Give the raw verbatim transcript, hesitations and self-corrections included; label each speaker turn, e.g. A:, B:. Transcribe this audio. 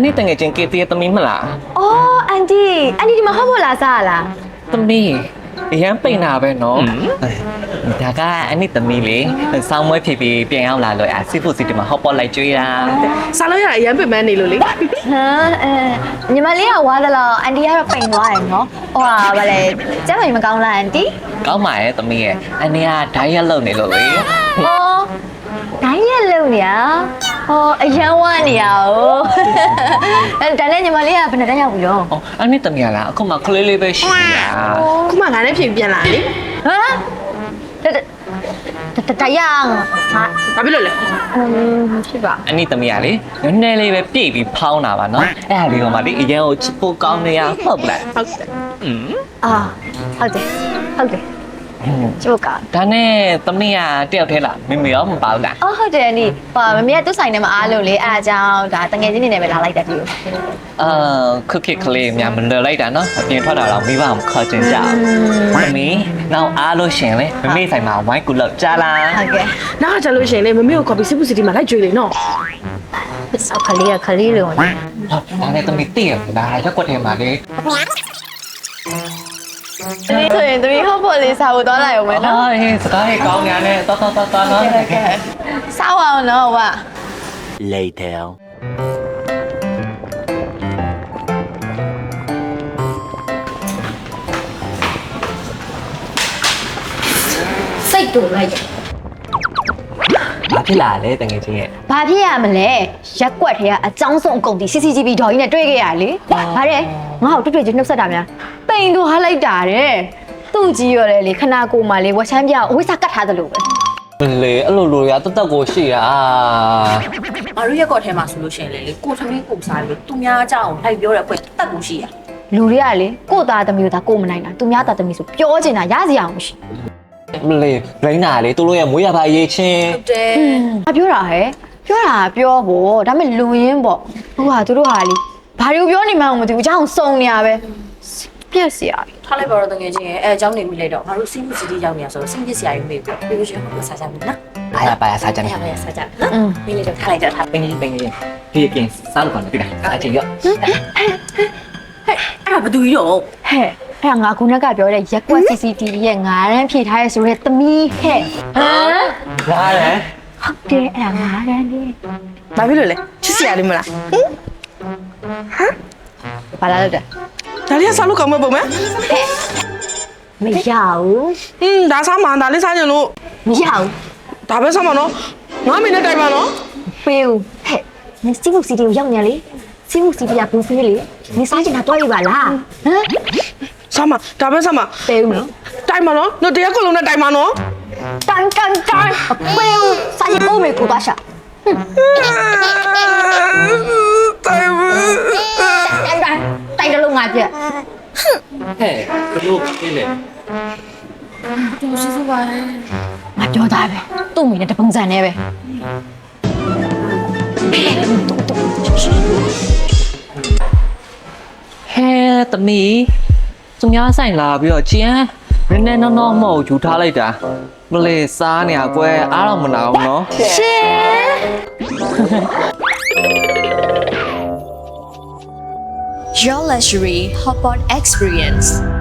A: นี้ตั้งใจเกตีตมีมั้งล่ะ
B: อ๋ออันดี้อันนี้ที่มาเข้าโบราณซาล่ะ
A: ตมียังไปหน้าไปเนาะแต่ก็อันนี้ตมีเลยสาวมวยผีผีเปลี่ยนเอาละเลยอ่ะซีฟูซีที่มาเข้าปอไลจุยละ
C: ซาแล้วอย่างยังเป็นแม่นี่เลย
B: ฮะเออညီမလေးကဝါသလားအန်တီကတော့ပိန်သွားတယ်နော်ဟိုဟာဗါလေကျမကြီးမကောင်းလားအန်တီ
A: ကောင်းပါရဲ့တမီးရဲ့အန်နီကဒိုင်းရက်လုံနေလို့လေ
B: ဟောဒိုင်းရက်လုံနေရဟောအရန်ဝမ်းနေရ哦အဲဒါနဲ့ညီမလေးကဘယ်နဲ့တန်းရောက်ပြီရော
A: အော်အန်နီတမီးလားအခုမှကလေးလေးပဲရှိနေတာ
C: ခုမှငါနဲ့ပြင်ပြန်လာလေ
B: ဟမ်တတရအောင်ဟာ
C: ဘာဖြစ်လို့လဲ
B: อืมဖြစ်ပါ
A: အန်နီတမီးကလေနည်းနည်းလေးပဲပြည့်ပြီးဖောင်းတာပါနော်အဲ့ဒါလေးကမှလေအရင်ကိုချစ်ဖို့ကောင်းနေရဟုတ်လား
C: ဟုတ်တယ်
A: อืม
B: အာဟုတ်တယ်ဟုတ်တယ်ကျုပ်က
A: ဒါနဲ့သမီးကတယောက်ထဲလားမမေရောမပါဘူးလား
B: အော်ဟုတ်တယ်အန်ဒီဟာမမေကသူ့ဆိုင်ထဲမှာအားလို့လေအားအကြောင်းဒါတငယ်ချင်းနေနဲ့ပဲလာလိုက်တာဒီကို
A: အာခက်ခက်ကလေးများမလွယ်လိုက်တာနော်အပြင်ထွက်တာတော့မိဘမခေါ်ချင်ကြဘူးသမီးနောက်အားလို့ရှင်လေမမေဆိုင်မှာဝိုင်းကူလောက်ကြားလား
B: ဟုတ်ကဲ့
C: နောက်ကြလို့ရှင်လေမမေကို copy စစ်ဖို့စီတီမှာလိုက်ကြွေးလေနော်
B: ဆောက်ခလေးကခလေးလုံး
A: ဟာဒါနဲ့သမီးတည့်ရလားရက်ွက်ထဲမှာလေ
B: ဆိုရင်သမီးဟော့ပေါ်လေးစားဖို့သွားလိုက်အောင်မယ်နော်
A: ဟေးစကားလေးကောင်းညာနဲ့တော်တော်တော်တော်နော်
B: စားအောင်နော်ဟုတ်ပါ
D: Later
B: စိတ်တူလိုက်
A: ဘာဖြစ်လာလဲတကယ်ချင်းရဲ့
B: ဘာဖြစ်ရမလဲရက်ကွက်ထဲကအကြောင်းဆုံးအကုန်ဒီ စီ စီ တီ ဗီ ဒေါ်ကြီးနဲ့တွေ့ခဲ့ရလေဗါတဲ့ငါ့ကိုတွေ့တွေ့ချင်းနှုတ်ဆက်တာများပိန်သူဟားလိုက်တာတဲ့သူ့ကြီးရော်လေလေခနာကိုမှလေဝက်ချမ်းပြအဝိစာကတ်ထားသလိုပဲ
A: လေအဲ့လိုလိုရတတ်ကိုရှိတာ
E: ငါတို့ရက်ကော့ထဲမှာဆိုလို့ရှိရင်လေကိုထမင်းကိုစားလို့သူများကြောက်လိုက်ပြောတဲ့အဖွဲ့တက်ကိုရှိရ
B: လူတွေကလေကိုသားသမီးတို့ဒါကိုမနိုင်တာသူများသားသမီးဆိုပြောချင်တာရစရာမရှိ
A: မလေးလိမ့်နာလေသူတို့ရဲ့မွေးရပါရေးချင်း
E: ဟုတ်တယ်
B: အပြောတာဟဲ့ပြောတာပြောဖို့ဒါပေမဲ့လူရင်းပေါ့ဟိုဟာသူတို့ဟာလေဘာတွေကိုပြောနေမှန်းမသိဘူးအကြောင်းစုံနေရပဲပြက်စရာ
E: ထားလိုက်ပါတော့တကယ်ချင်းအဲအကြောင်းနေမိလိုက်တော့ငါတို့စီးမှုစီးတီးရောက်နေရဆိုတော့စိတ်ပြက်စရာကြီးမေးပြီးပြီးလို့ရှိရင်ကိုစားကြမယ်နော်
A: အားရပါရစားကြမယ်
E: အားရပါရစားကြနော်မိလိုက်တော့ထားလိုက်တော့ထား
A: ပင်းပင်းလေးပြေးပြင်စားလို့ပါလေတိလားအချင်းရော
E: ဟဲ့အဲ့ဒါဘယ်သူကြီးတော့
B: ဟဲ့အဲ့ငါခုနကပြောတဲ့ရက်ကွက် စီ စီ တီ ဗီ ရဲ့ငါးရန်ဖြည့်ထားရဲဆိုတဲ့သမီးဟဲ့ဟမ်
A: ငါးရန်
B: ဟုတ်တယ်အဲ့ငါးရန်လေး
C: ဘာဖြစ်လို့လဲချစ်စရာလေးမလားဟမ်
B: ဘာလာလို့တဲ့
C: ဒါလေးကစားလို့ကောင်းမဲ့ပုံမဲ့
B: မရဘူး
C: ဟင်းဒါစားမှဒါလေးစားကြလို့
B: မရဘူး
C: ဒါပဲစားမှာနော်ငါမင်းနဲ့တိုင်ပါနော်
B: ပေးဦးဟဲ့နင်စီမှုစီတီကိုရောက်နေလေစီမှုစီတီကဘူးဖေးလေနင်စားချင်တာတွားရပါလားဟမ်
C: စားမှာဒါပဲစားမှာ
B: ပေးဦးနော်
C: တိုင်ပါနော်တို့တရားကုလုံးနဲ့တိုင်ပါနော်
B: တိုင်တိုင်တိုင်ပေးဦးစားချင်ဖို့မေကိုပါရှာ
C: တိုင်ပါ
B: တိုင်တိုင်တိုင်တလုံးငါပြက်
A: ဟဲ့ဘလို့ပြည့်လေ
E: တော်ရှိစပါလေ
B: ငါပြောသားပဲသူ့မိနဲ့တပုံစံနဲ့ပဲ
A: ဟဲ့တမီသူများဆိုင်လာပြီးတော့ကျင်းနည်းနည်းနော်နော်မဟုတ်ယူထားလိုက်တာမလေးစားနေရကွယ်အားတော့မနာဘူးနော်
B: ရှင်
F: Your luxury hotpot experience